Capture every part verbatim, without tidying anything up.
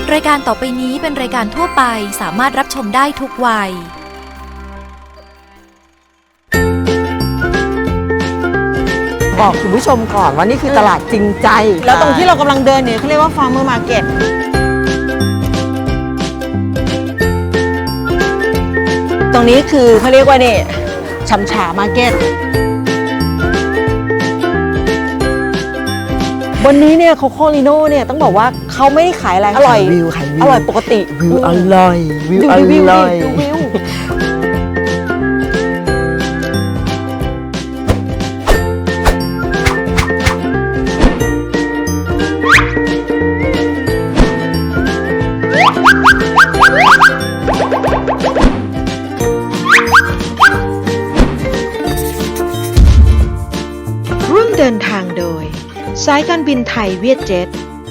รายการต่อไปนี้เป็นรายการทั่วไปสามารถรับชมได้ทุกวัยบอกคุณผู้ชมก่อนว่านี่คือตลาดจริงใจแล้วตรงที่เรากำลังเดินเนี่ยเขาเรียกว่า Farmer Market ตรงนี้คือเขาเรียกว่าเนี่ยชำฉามาร์เก็ตบนนี้เนี่ยโคโคลิโน่เนี่ยต้องบอกว่าเขาไม่ได้ขายอะไรอร่อยวิวขายวิวอร่อยปกติวิวอร่อยวิวอร่อยดูวิวร่วมเดินทางโดยสายการบินไทยเวียดเจ็ต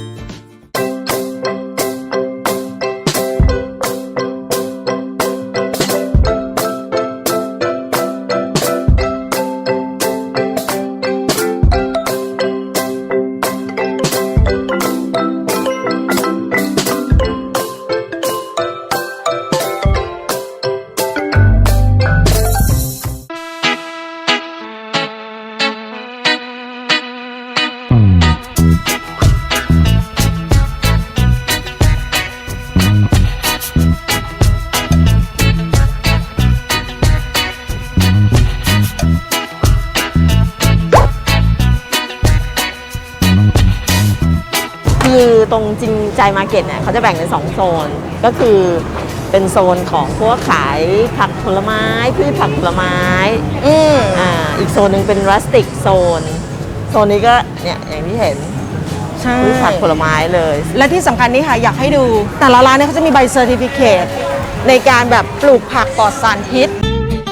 คือตรงจริงใจมาร์เก็ตเนี่ยเขาจะแบ่งเป็นสองโซนก็คือเป็นโซนของพวกขายผักผลไม้พืชผักผลไม้อืมอ่าอีกโซนหนึ่งเป็นรัสติกโซนโซนนี้ก็เนี่ยอย่างที่เห็นพืชผักผลไม้เลยและที่สำคัญนี่ค่ะอยากให้ดูแต่ละร้านเนี่ยเขาจะมีใบเซอร์ติฟิเคตในการแบบปลูกผักปลอดสารพิษ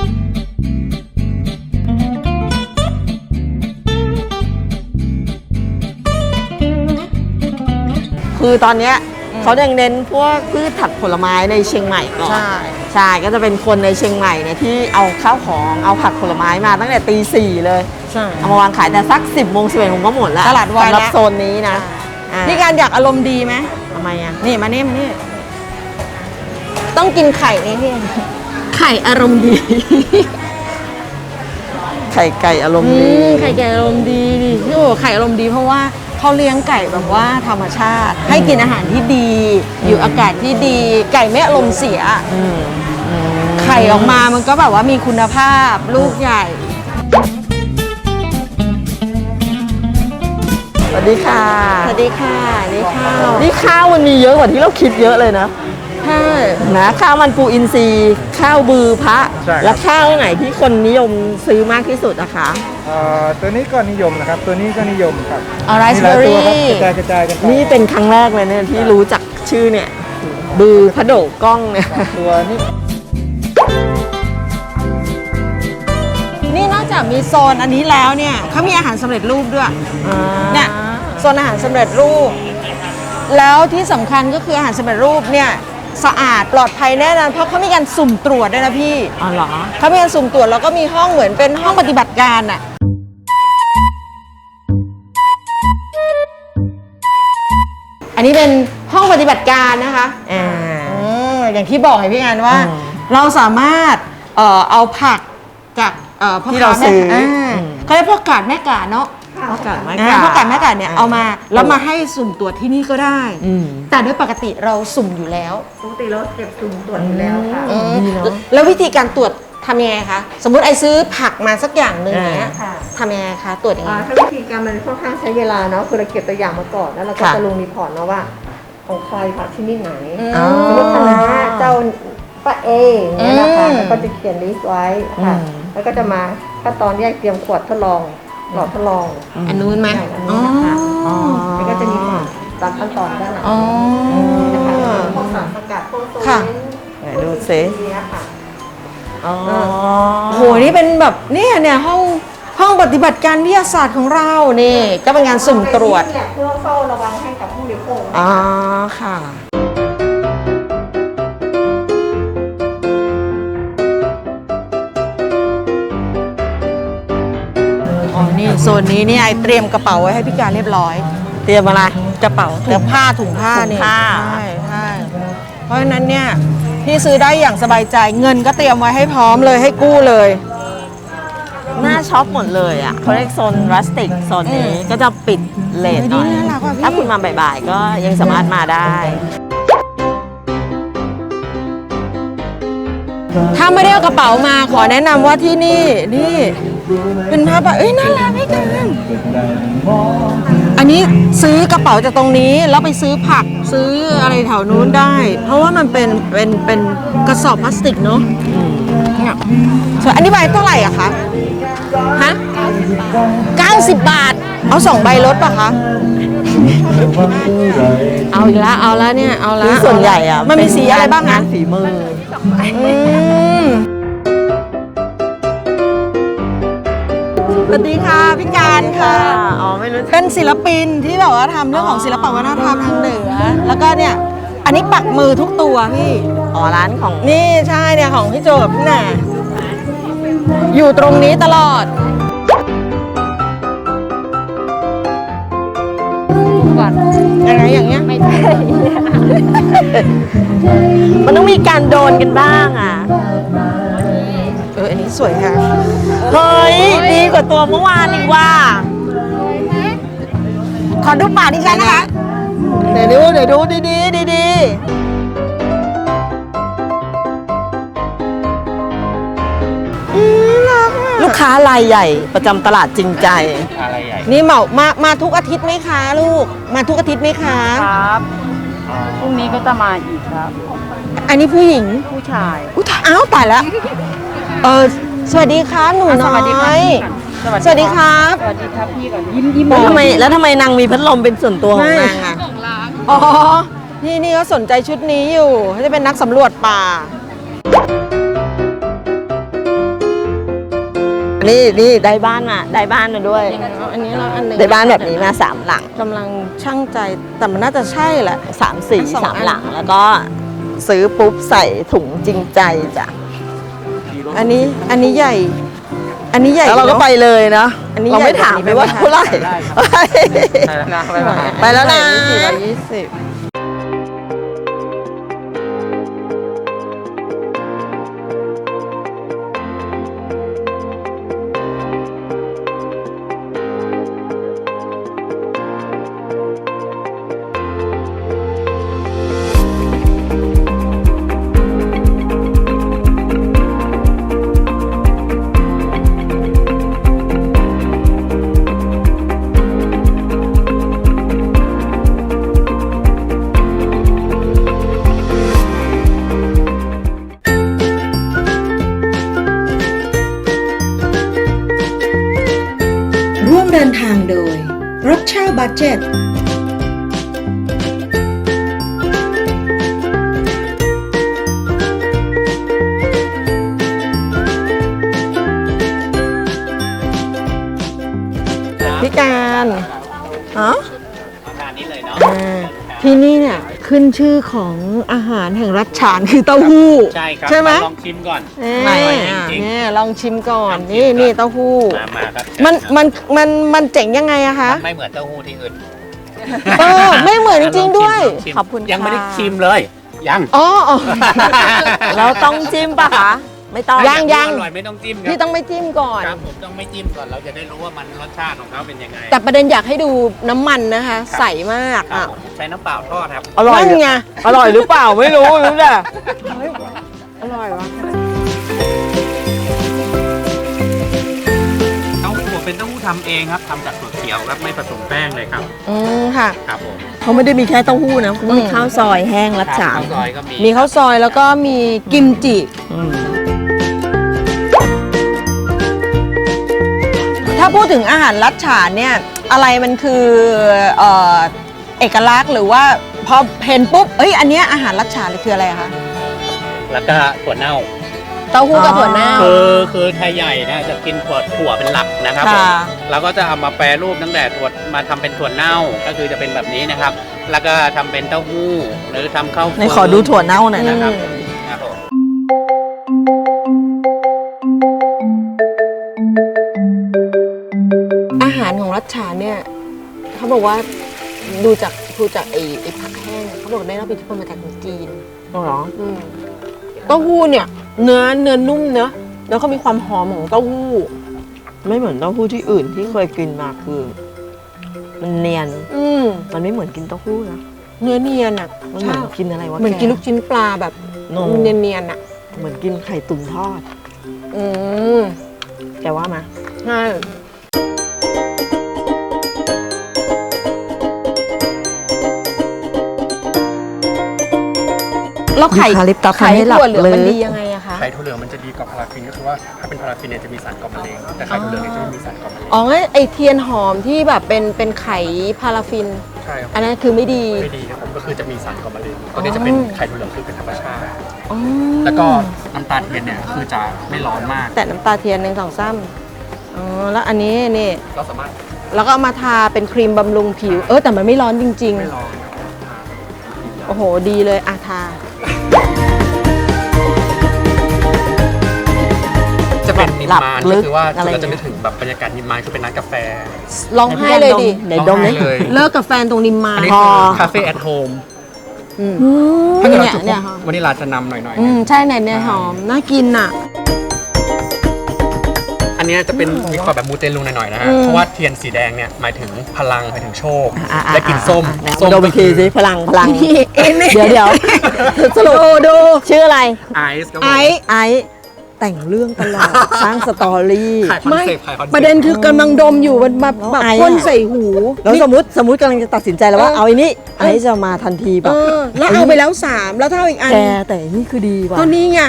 คือตอนนี้เขายังเน้นพวกพืชผักผลไม้ในเชียงใหม่ก่อนใช่ใช่ก็จะเป็นคนในเชียงใหม่เนี่ยที่เอาข้าวของเอาผักผลไม้มาตั้งแต่ตีสี่เลยใช่เอามาวางขายแต่สักสิบโมงสิบเอ็ดโมงก็หมดแล้วตลาดวายแล้วสำหรับโซนนี้นะพี่การอยากอารมณ์ดีไหมทำไมอ่ะนี่มานี่มานี่ต้องกินไข่นี่พี่ไข่อารมณ์ดีไข่ไก่อารมณ์ดีไข่ไก่อารมณ์ดีดิพี่โอ้ไข่อารมณ์ดีเพราะว่าเขาเลี้ยงไก่แบบว่าธรรมชาติให้กินอาหารที่ดีอยู่อากาศที่ดีไก่ไม่อารมณ์เสียไข่ออกมามันก็แบบว่ามีคุณภาพลูกใหญ่สวัสดีค่ะสวัสดีค่ะนี่ข้าวนี่ข้าวมันมีเยอะกว่าที่เราคิดเยอะเลยนะใช่นะข้าวมันปูอินทรีย์ข้าวบือพระและข้าวไหนที่คนนิยมซื้อมากที่สุดอะคะตัวนี้ก็นิยมนะครับตัวนี้ก็นิยมครับอ๋อไรซ์เบอร์รี่กระจายกระจายกันนี่เป็นครั้งแรกเลยเนี่ยที่รู้จักชื่อเนี่ยบือพระโดกกล้องเนี่ยตัวนี้นี่นอกจากมีโซนอันนี้แล้วเนี่ยเขามีอาหารสำเร็จรูปด้วยเนี่ยโซนอาหารสำเร็จรูปแล้วที่สำคัญก็คืออาหารสำเร็จรูปเนี่ยสะอาดปลอดภัยแน่นอนเพราะเขามีการสุ่มตรวจด้วยนะพี่อ๋อเหรอเขามีการสุ่มตรวจแล้วก็มีห้องเหมือนเป็นห้องปฏิบัติการอะอันนี้เป็นห้องปฏิบัติการนะคะอ่าอย่างที่บอกให้พี่งานว่าเราสามารถเอ่อเอาผักจากเอ่อที่เราซื้อเขาเรียกพวกกาดแม่กาดเนาะพวกกาดแม่กาดพวกกาดแม่กาดเนี่ยเอามาแล้วมาให้สุ่มตรวจที่นี่ก็ได้แต่โดยปกติเราสุ่มอยู่แล้วปกติเราเก็บสุ่มตรวจอยู่แล้วค่ะแล้ววิธีการตรวจทำยังไงคะสมมุติไอซื้อผักมาสักอย่างหนึ่งเนี้ยทำยังไงคะตรวจยังไงถ้าวิธีการมันค่อนข้างใช้เวลาเนาะคือเราเก็บตัวอย่างมาก่อนแล้วเราก็จะลงรีพอร์ตเนาะว่าของใครผักชนิดไหนสมมติคณะเจ้าป้าเอเนี่ยนะคะแล้วก็จะเขียนลิสต์ไว้ค่ะแล้วก็จะมาขั้นตอนแยกเตรียมขวดทดลองหลอดทดลองอันนู้นไหมอันนี้นะคะแล้วก็จะมีตามขั้นตอนด้านหลังนะคะพวกสารสกัดพวกโซเมนต์ไหนดูซิค่ะอ๋อโหนี่เป็นแบบเนี่ยเนี่ยห้องห้องปฏิบัติการวิทยาศาสตร์ของเรานี่ก็เป็นงานสุ่มตรวจเพื่อเฝ้าระวังให้กับผู้บริโภคอ๋อค่ะอ๋อนี่โซนนี้นี่ไอเตรียมกระเป๋าไว้ให้พี่การเรียบร้อยเตรียมอะไรกระเป๋าถุงผ้าถุงผ้าถุงเนี่ยผ้าใช่ใช่เพราะฉะนั้นเนี่ยพี่ซื้อได้อย่างสบายใจเงินก็เตรียมไว้ให้พร้อมเลยให้กู้เลยหน้าช็อปหมดเลยอ่ะเขาเรียกโซนรัสติกโซนนี้ก็จะปิดเลทหน่อยเฮ้ยนี่น่ารักว่ะพี่ถ้าคุณมาบ่ายๆ ก็ยังสามารถมาได้ถ้าไม่ได้เอากระเป๋ามาขอแนะนำว่าที่นี่นี่เป็นผ้าป่ะเอ้ยน่ารักพี่กันอันนี้ซื้อกระเป๋าจากตรงนี้แล้วไปซื้อผักซื้ออะไรแถวนู้นได้ เพราะว่ามันเป็นเป็นเป็นกระสอบพลาสติกเนาะเนี่ยส่วนอันนี้ใบเท่าไหร่อะคะฮะเก้าสิบบาท เอาสองใบลดป่ะคะเอาอีกแล้วเอาแล้วเนี่ยเอาแล้วคือส่วนใหญ่อ่ะมันมีสีอะไรบ้างงานะนฝีมืออืมสวัสดีค่ะพี่การค่ะอ๋อไม่รู้เป็นศิลปินที่แบบว่าทำเรื่องของศิลปวัฒนธรรมทางเหนือ แล้วก็เนี่ย อันนี้ปักมือทุกตัวพี่อ๋อร้านของนี่ใช่เนี่ยของพี่โจกับพี่หน่าอยู่ตรงนี้ตลอด ยังไงอย่างเงี้ยไม่ใช่ มันต้องมีการโดนกันบ้างอ่ะเอออันนี้สวยค่ะเฮ้ย ดีกว่าตัวเมื่อวานอีกว่าขอดูปากดิฉันนะคะเดี๋ยวดูเดี๋ยวดูดีดีดีดีลูกค้ารายใหญ่ประจำตลาดจริงใจอะไรใหญ่นี่เหมามามาทุกอาทิตย์ไหมคะลูก มาทุกอาทิตย์ไหมคะครับพรุ่งนี้ก็จะมาอีกครับอันนี้ผู้หญิงผู้ชายอุ้ยตายอ้าวตายแล้ว เออสวัสดีครับหนูอ่ะน้สวัสดีครัอบ ยพี่ก่อนสวัสดีครับสวัสดีครับพี่ก่อนยิ้มยิ้มแล้วทำไมแล้วทำไมนางมีพัดลมเป็นส่วนตัวของไม่นางอ่ะอ๋อ นี่นี่เขาสนใจชุดนี้อยู่เขาจะเป็นนักสำรวจป่านี่นี่ได้บ้านมาได้บ้านมาด้วยอันนี้เราอันหนึ่งได้บ้านแบบนี้มาสามหลังกำลังช่างใจแต่มันน่าจะใช่แหละสามสี่สองสามอันหลังแล้วก็ซื้อปุ๊บใส่ถุงจริงใจจ้ะอันนี้อันนี้ใหญ่ อันนี้ใหญ่แล้วเราก็นอะไปเลยนะอันนี้เราไม่ใหญ่ถามแบบไปนี้ว่าไหมคะเท่าไหร่ไปแล้วนะไปแล้วนะไปแล้วนะสี่ร้อยยี่สิบร่วมเดินทางโดย รถเช่าบัดเจ็ตพี่การฮะงานนี้เลยเนาะอ่าที่นี่เนี่ยขึ้นชื่อของอาหารแห่งรัชฉานคือเต้าหู้ใช่ครับใช่ไหมลองชิมก่อนนี่อร่อยจริงนี่ลองชิมก่อนลองชิมนี่ก่อนนี่เต้าหู้ๆมามาครับมันมันมันมันเจ๋งยังไงอะคะมันไม่เหมือนเต้าหู้ที่อื่นเออไม่เหมือนจริงๆด้วยลองชิมขอบคุณยังไม่ได้ค่ะชิมเลย ยังอ๋ออ๋อแล้วต้องจิ้มปะคะ ไม่ต้องยังยังอร่อยไม่ต้องจิ้มคพี่รับต้องไม่จิ้มก่อนครับผมต้องไม่จิ้มก่อนเราจะได้รู้ว่ามันรสชาติของเขาเป็นยังไงแต่ประเด็นอยากให้ดูน้ำมันนะคะ ใสมากครับอ่ะผมใช้น้ำเปล่าทอดครับอร่อยนั่นไงอร่อยหรือเปล่าไม่รู้รู้แต่อร่อยวะเต้าหู้เป็นเต้าหู้ทำเองครับทำจากถั่วเขียวครับไม่ผสมแป้งเลยครับอืมค่ะครับผมเขาไม่ได้มีแค่เต้าหู้นะเขามีข้าวซอยแห้งรัดฉานข้าวซอยก็มีมีข้าวซอยแล้วก็มีกิมจิอืมถ้าพูดถึงอาหารรัชฉานเนี่ยอะไรมันคือเอ่อเอกลักษณ์หรือว่าพอเห็นปุ๊บเอ้ยอันเนี้ยอาหารรัชฉานคืออะไรอะคะแล้วก็ถั่วเน่าเต้าหู้กับถั่วเน่าคือคือไทยใหญ่นะจะกินถั่วถั่วเป็นหลักนะครับผมค่ะเราก็จะเอามาแปรรูปตั้งแต่ถั่วมาทำเป็นถั่วเน่าก็คือจะเป็นแบบนี้นะครับ แล้วก็ทำเป็นเต้าหู้หรือทำข้าวในขอดูถั่วเน่าหน่อยนะนะคครัรับ บครับผมอาหารของรัชฉานเนี่ยเขาบอกว่าดูจากทูจากไอ้ไอ้ผักแห้งเขาบอกได้รับอิทธิพลมาจากจีนอ๋อเหรออืมเต้าหู้เนี่ย เนื้อเนื้อนุ่มเนอะแล้วก็มีความหอมของเต้าหู้ไม่เหมือนเต้าหู้ที่อื่นที่เคยกินมาคือ มันเนียนอืมมันไม่เหมือนกินเต้าหู้นะเนื้อเนียนอ่ะมันเหมือนกินอะไรวะเหมือนแกินลูกชิ้นปลาแบบโนเนียนเนียนๆอ่ะเหมือนกินไข่ตุ๋นทอดอืมแกว่ามาใช่แล้วไข่คาลิปตัสไข่ทำให้หลับถั่วเหลืองมันลึกดียังไงอะคะไข่ถั่วเหลืองมันจะดีกว่าพาราฟินก็คือว่าถ้าเป็นพาราฟินเนี่ยจะมีสารก่อมะเร็งแต่ไข่ถั่วเหลืองเนี่ยจะไม่มีสารก่อมะเร็งอ๋องั้นไอเทียนหอมที่แบบเป็นเป็นไข่พาราฟินใช่ครับอันนั้นคือไม่ดีไม่ดีครับผมก็คือจะมีสารก่อมะเร็งตัวนี้จะเป็นไข่ถั่วเหลืองคือเป็นธรรมชาติอ๋อแล้วก็น้ำตาลเทียนเนี่ยคือจะไม่ร้อนมากแต่น้ำตาเทียนหนึ่งสองซ้ำอ๋อแล้วอันนี้นี่เราสามารถแล้วก็เอามาทาเป็นครีมบำรุงผิว เออแต่มันไม่ร้อนจริงไม่ร้อนๆ โอ้โหดีเลยอะทาจะเป็นนิมหลับมานลึก็กคือว่าอะไรเราจะนึกถึงแบบบรรยากาศนิมมานคือเป็นร้านกาแฟร้องไห้เลยดิไหนดมร้องเลยไห้เลยเลิกกับแฟนตรงนิมมานอันนี้พอคือคาเฟ่แอทโฮมอืมถ้าเกิดเราเนี่ยจุดเนี่ยวันนี้ร้านจะนำหน่อยๆอืเนี่ยมใช่ไหนเนี่ยหอม น่ากินอ่ะอันเนี้ยจะเป็นมีความแบบมูเตลูหน่อยๆนะฮะอืมเพราะว่าเทียนสีแดงเนี่ยหมายถึงพลังหมายถึงโชคอ่ะอ่ะและกลินส้มอ่ะส้มดมอีกทีสิพลังพลัง เดี๋ยวเดี๋ยวสรุปดูดูชื่ออะไรไอซ์ครับผมไอ้ไอซ์แต่งเรื่องตลอด สร้างสตอรี่ขายคอนไม่เซ็ปต์ขายคอนเซ็ปต์ประเด็นคือกำลังดมอยู่มันแบบแล้วแบบไอ้อะพ่นใส่หูแล้วสมมติสมมติกำลังจะตัดสินใจแล้วว่าเออเอาอันนี้ไอซ์จะมาทันทีแบเอบ อแล้วเอาไปแล้วสามแล้วถ้าเอาอีกอันแกแต่นี่คือดีว่ะก็นี่ไง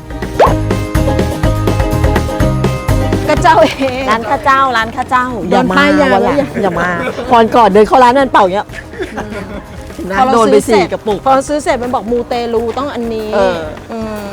ก็เจ้าเองร้านข้าเจ้าร้านข้าเจ้าโดนป้ายยาวันหลังแล้วอย่าอย่ามาพรก่อนเดินเข้าร้านนั่นเป่าอย่างเงี้ยนะพอเราโดนไปซื้อเสร็สี่จกระปุกพอซื้อเสร็จมันบอกมูเตลูต้องอันนี้เอออืม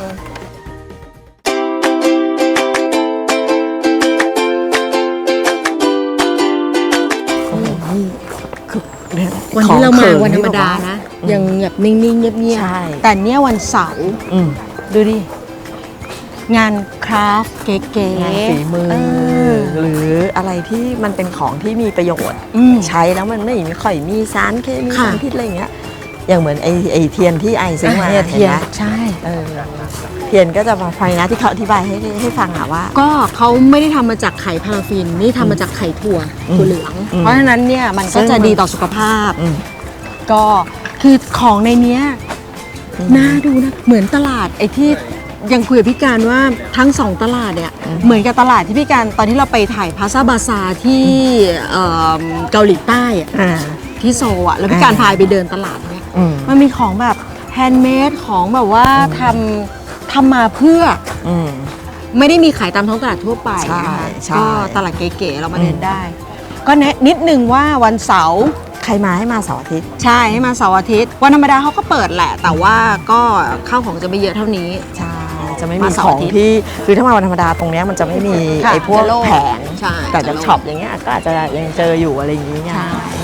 วันที่เรามาวันธรรมดานะ ยังแบบนิ่งๆ เงียบใช่ๆ แต่เนี้ยวันเสาร์อืมดูดิ งานคราฟต์เก๋ๆงานฝีมือเออหรืออะไรที่มันเป็นของที่มีประโยชน์อืมใช้แล้วมันไม่ค่อยมีสารเคมีค่ะสารพิษอะไรอย่างเงี้ยอย่างเหมือนไอไอเทียนที่ไอซื้อมาเนี่ยเทียนห็ไหมใช่เออเทียนก็จะมาไฟนะที่เขาอธิบายให้ให้ฟังอะว่าก็เขาไม่ได้ทำมาจากไข่พาราฟิน นี่ทำมาจากไข่ถั่วอืมถั่วเหลืองอืมเพราะฉะนั้นเนี่ยมันก็ซึ่งจะดีต่อสุขภาพอืมก็คือของในเนี้ยน่าดูนะ เหมือนตลาดไอ้ที่ยังคุยกับพี่การว่าทั้งสองตลาดเนี่ยเหมือนกับตลาดที่พี่การตอนที่เราไปถ่ายพาซาบาซาที่เอิ่มเกาหลีใต้อะอ่าที่โซลอะแล้วพี่การอ่าพาไปเดินตลาดเนี่ยอืมมันมีของแบบแฮนด์เมดของแบบว่าทำทำมาเพื่ออืมไม่ได้มีขายตามท้องตลาดทั่วไปใช่นะคะใช่ก็ตลาดเก๋ๆเรามาเดินได้ ก็แนะนิดนึงว่าวันเสาร์ใครมาให้มาเสาร์อาทิตย์ใช่ให้มาเสาร์อาทิตย์วันธรรมดาเขาก็เปิดแหละ แต่ว่าก็ข้าวของจะไม่เยอะเท่านี้ใช่จะไม่มีมาเสาขร์องอาทิตย์ที่คือถ้ามาวันธรรมดาตรงเนี้ยมันจะไม่มีค่ะไอ้พวกจะโล่งแผงใช่แต่จะจากโล่งช็อปอย่างเงี้ยก็อาจจะยังเจออยู่อะไรอย่างเงี้ยใช่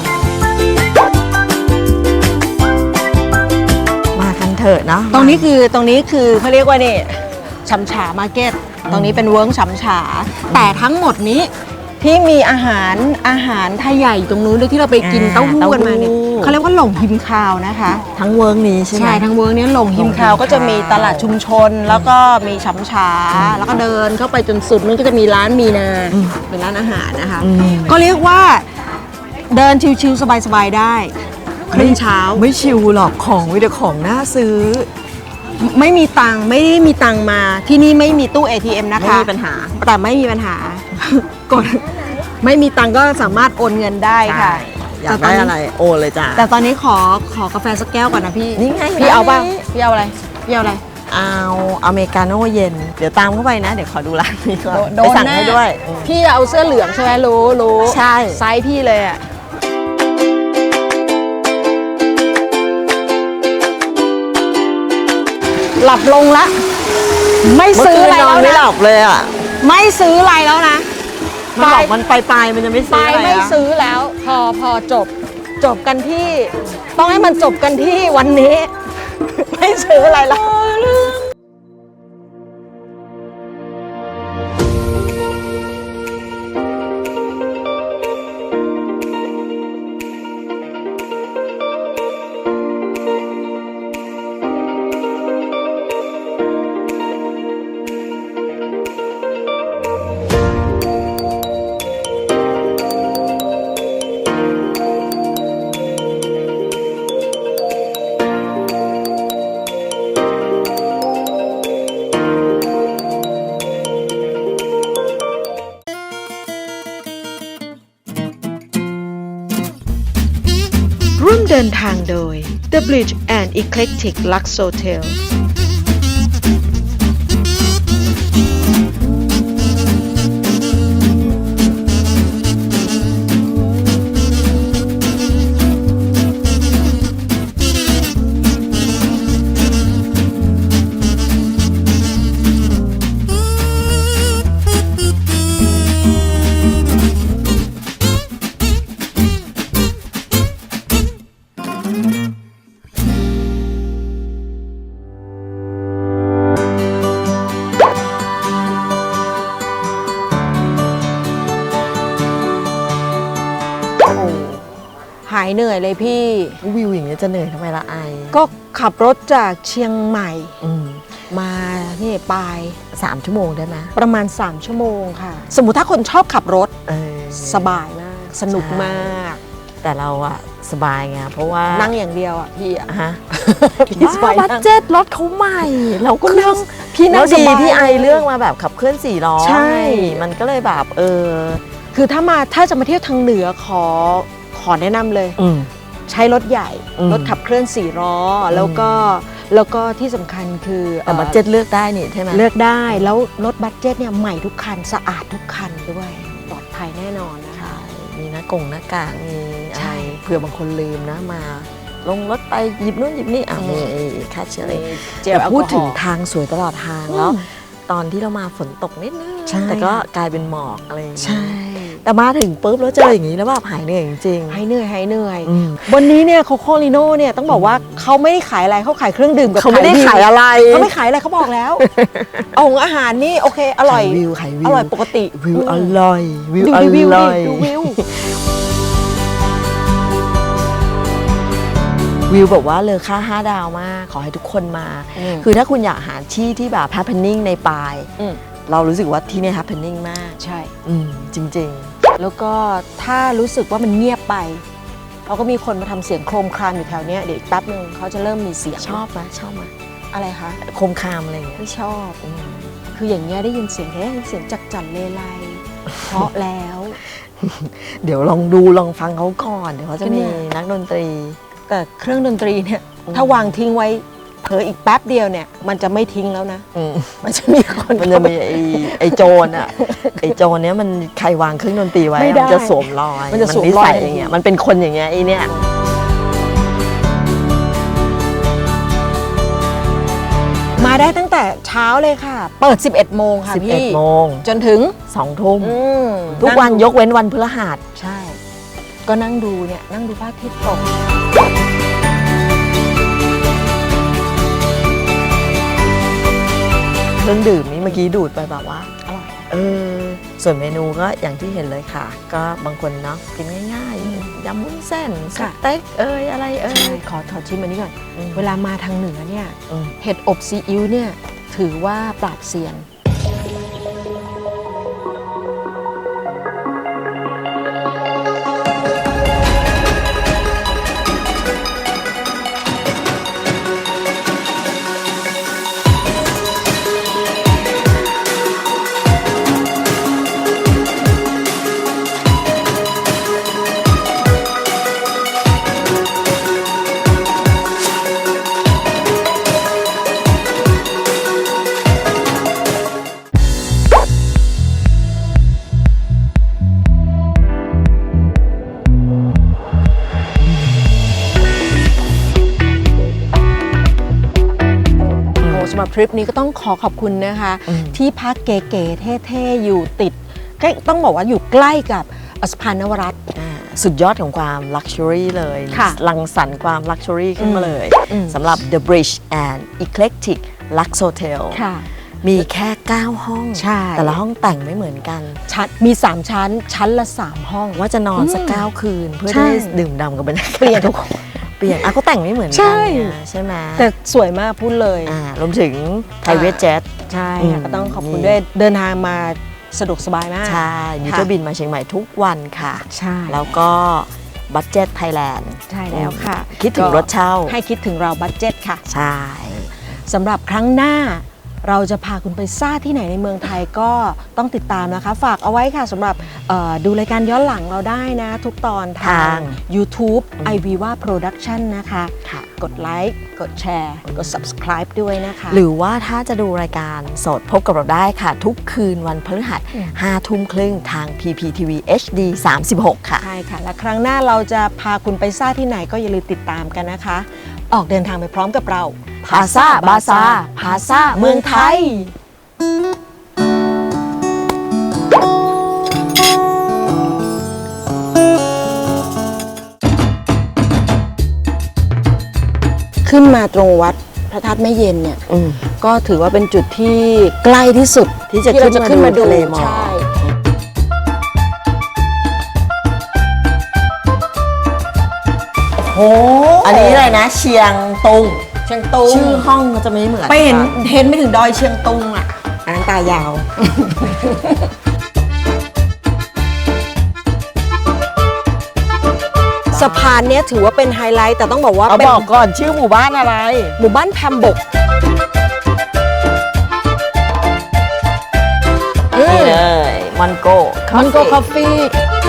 มากันเถอะเนาะตรงนี้คือตรงนี้คือเขาเรียกว่านี่ฉำฉามาร์เก็ตตรงนี้เป็นเวิร์กฉำฉา แต่ทั้งหมดนี้ที่มีอาหารอาหารไทยใหญ่ตรงนู้นด้วยที่เราไปกินเต้าหู้กันมาเนี่ยเขาเรียกว่าหลงฮิมคาวนะคะทั้งเวิร์กนี้ใช่ไหมใช่ทั้งเวิร์กเนี้หลงฮิมคาวก็จะมีตลาดชุมชน แล้วก็มีฉำฉา แล้วก็เดินเข้าไปจนสุดนู้นก็จะมีร้านมีนาเป็นร้านอาหารนะคะอืมก็เรียกว่าเดินชิวๆสบายๆได้ครึ่งเช้าไม่ชิวหรอกของวิดีของน่าซื้อไม่มีตังค์ไม่ได้มีตังค์มาที่นี่ไม่มีตู้ เอ ที เอ็ม นะคะไม่มีปัญหาแต่ไม่มีปัญหา กดไม่มีตังค์ก็สามารถโอนเงินได้ค่ะอยากได้อะไรโอนเลยจ้าแต่ตอนนี้ขอขอกาแฟสักแก้วก่อนนะพี่นี่ไงพี่เอาป่ะนี่พี่เอาอะไรพี่เอาอะไรเอาอเมริกาโน่เย็น เดี๋ยวตามเข้าไปนะ เดี๋ยวขอดูร้านนี้ก่อนโดไปนสั่งแน่ให้ด้วยอืมพี่จะเอาเสื้อเหลืองใช่ไหมรู้รู้ใช่ไซส์พี่เลยอ่ะหลับลงละไม่ซื้ออะไรเมื่คืนนแล้อนวไม่หนะลับเลยอ่ะไม่ซื้ออะไรแล้วนะมันบอกมันไปลายๆมันจะไม่ไปซื้ออะไรไม่อะซื้อแล้ว พอพอจบจบกันที่ ต้องให้มันจบกันที่วันนี้ ไม่ซื้ออะไรแล้วดินทางโดย The Bridge and Eclectic Lux Hotel หายเหนื่อยเลยพี่วิวอย่างเงี้ยจะเหนื่อยทำไมละไอก็ขับรถจากเชียงใหม่อืมมานี่ปลายสามชั่วโมงได้ไหมประมาณ สาม ชั่วโมงค่ะ สมมุติถ้าคนชอบขับรถเออสบายมาก สนุกมากแต่เราอะสบายไงเพราะว่านั่งอย่างเดียวอ่ะพี่อะฮะพี่สบายบัตนั่งเจ็ตรถเขาใหม่ เราก็นั่งพี่นั่แล้งวสดีบายที่ไอเรื่องมาแบบขับเคลื่อนสี่ล้อใช่มันก็เลยแบบเออคือถ้ามาถ้าจะมาเที่ยวทางเหนือขอขอแนะนำเลยอืมใช้รถใหญ่อืมรถขับเคลื่อนสี่ล้ออแล้วก็แล้วก็ที่สำคัญคือแต่บัตเจ็ตเลือกได้นี่ใช่ไหมเลือกได้แล้วรถบัตเจ็ตเนี่ยใหม่ทุกคันสะอาดทุกคันด้วยปลอดภัยแน่นอนนะคะมีหน้ากงหน้ากากมีอะใช่ไรเผื่อบางคนลืมนะมา ลงรถไปหยิบนู่นหยิบนี่อ่ะมีไอ้ค่าเชื้ออะไรเจลแต่แอลกพูอดฮถึงอล์ทางสวยตลอดทางแล้ว ตอนที่เรามาฝนตกนิดนึงใช่แต่ก็กลายเป็นหมอกอะไรอย่างเงี้ยใช่แต่มาถึงปุ๊บแล้วเจออย่างนี้แล้วแบบหายเหนื่อยจริงหายเหนื่อยหายเหนื่อยอืมวันนี้เนี่ยโคโคลิโน่เนี่ยต้องบอกว่าเขาไม่ได้ขายอะไรเขาขายเครื่องดื่มกับเขาไม่ได้วิวขายอะไรเขาไม่ขายอะไรเขาบอกแล้ว เอาของอาหารนี่โอเคอร่อยขายวิวขายวิวอร่อยปกติวิวอร่อยวิวดูอดิวิวร่ดิอยดูวิววิวแบบว่าเลอค่าห้าดาวมาก ขอให้ทุกคนมาอืมคือถ้าคุณอยากหาที่ที่แบบ happening ในปลายอืมเรารู้สึกว่าที่นี่ happening มากใช่อืมจริงแล้วก็ถ้ารู้สึกว่ามันเงียบไปเขาก็มีคนมาทำเสียงโครมครามอยู่แถวเนี้ยเดี๋ยวอีกแป๊บนึงเขาจะเริ่มมีเสียงๆ ชอบไหมชอบไหมอะไรคะโคมคามอะไรอย่างเงี้ยไม่ชอบอืมคืออย่างเงี้ยได้ยินเสียงแค่เสียงจักจั่นเลไลเพราะแล้วเดี๋ยวลองดูลองฟังเขาก่อน เดี๋ยวเขาจะก็เนี่มียนักดนตรีแต่เครื่องดนตรีเนี่ยอืมถ้าวางทิ้งไว้เผลออีกแป๊บเดียวเนี่ย มันจะไม่ทิ้งแล้วนะอืมมันจะมีคนมันจะมีไอ้ไอ้โจรอ่ะ ไอ้โจรเนี้ยมันใครวางเครื่องดนตรีไว้ไม่อะได้มันจะสวมรอยมันจะสวมนิรอยสัยอย่างเงี้ยมันเป็นคนอย่างเงี้ยไอ้เนี่ยมาได้ตั้งแต่เช้าเลยค่ะ เปิด สิบเอ็ด โมงค่ะสิบเอ็ดพี่โมงจนถึงสองทุ่มอืมทุกวันงยกเว้นวันพฤหัสใช่ ก็นั่งดูเนี่ยนั่งดูพระอาทิตย์ตกเครื่องดื่มนี่เมื่อกี้ดูดไปแบบว่าอร่อยเออ ส่วนเมนูก็อย่างที่เห็นเลยค่ะ ก็บางคนเนาะกินง่ายๆยำวุ้นเส้นสค่ะเต็กเอ้ยอะไรเอ้ใช่ยขอขอชิมอันนี้ก่อนอืมเวลามาทางเหนือเนี่ยอืมเห็ดอบซีอิ๊วเนี่ยถือว่าปราบเซียน โอ้สำหรับทริปนี้ก็ต้องขอขอบคุณนะคะอืมที่พักเก๋ๆเท่ๆ อยู่ติดก็ต้องบอกว่าอยู่ใกล้กับสะพานนวรัตน์อ่าสุดยอดของความลักชัวรี่เลยค่ะลังสรรค์ความลักชัวรี่ขึ้นมาเลยอืมสำหรับ The Bridge and Eclectic Lux Hotel ค่ะมีแค่ เก้า ห้องใช่แต่ละห้องแต่งไม่เหมือนกันชั้นมี สาม ชั้น ชั้นละ สาม ห้องว่าจะนอนสักอืมเก้าคืน เพื่อใช่ได้ดื่มด่ำกับบรรยากาศเปลี่ยนทุกคนเปลี่ยนอ่ะก็แต่งไม่เหมือนใช่กันเนี่ยใช่ไหมแต่สวยมากพูดเลยอ่ารวมถึง private jet ใช่อืมค่ะก็ต้องขอบคุณนี่ด้วยเดินทางมาสะดวกสบายมากใช่มีเที่ยวบินมาเชียงใหม่ทุกวันค่ะใช่แล้วก็บัตเจ็ตไทยแลนด์ใช่แล้วค่ะคิดถึงรถเช่าให้คิดถึงเราบัตเจ็ตค่ะใช่สำหรับครั้งหน้าเราจะพาคุณไปซ่าที่ไหนในเมืองไทยก็ต้องติดตามนะคะ ฝากเอาไว้ค่ะสำหรับเอ่อดูรายการย้อนหลังเราได้นะ ทุกตอนทาทาง ง YouTube iViva Production นะคะค่ะกดไลค์กดแชร์กด subscribe ด้วยนะคะหรือว่าถ้าจะดูรายการสดพบกับเราได้ค่ะ ทุกคืนวันพฤหัสห้าทุ่มครึ่งทาง พี พี ที วี เอช ดี สามสิบหก ค่ะใช่ค่ะ และครั้งหน้าเราจะพาคุณไปซ่าที่ไหนก็อย่าลืมติดตามกันนะคะ ออกเดินทางไปพร้อมกับเราพาซ่าบาซาพาซ่าเมืองไทยขึ้นมาตรงวัดพระธาตุแม่เย็นเนี่ยอืมก็ถือว่าเป็นจุดที่ใกล้ที่สุดที่จะเราจะขึ้นมาดูทะเลหมอกใช่ โอ้อันนี้อะไรนะ เชียงตุงเชียงตุงชื่อห้องก็จะไม่เหมือนไปเห็นกัเห็นไม่ถึงดอยเชียงตุงอ่ะอันนั้นตายาว สะพานเนี้ยถือว่าเป็นไฮไลท์แต่ต้องบอกว่าเอาเป็นบอกก่อนชื่อหมู่บ้านอะไรหมู่บ้านแพมบกนี่เลย มันโก้มันโกคอฟฟี่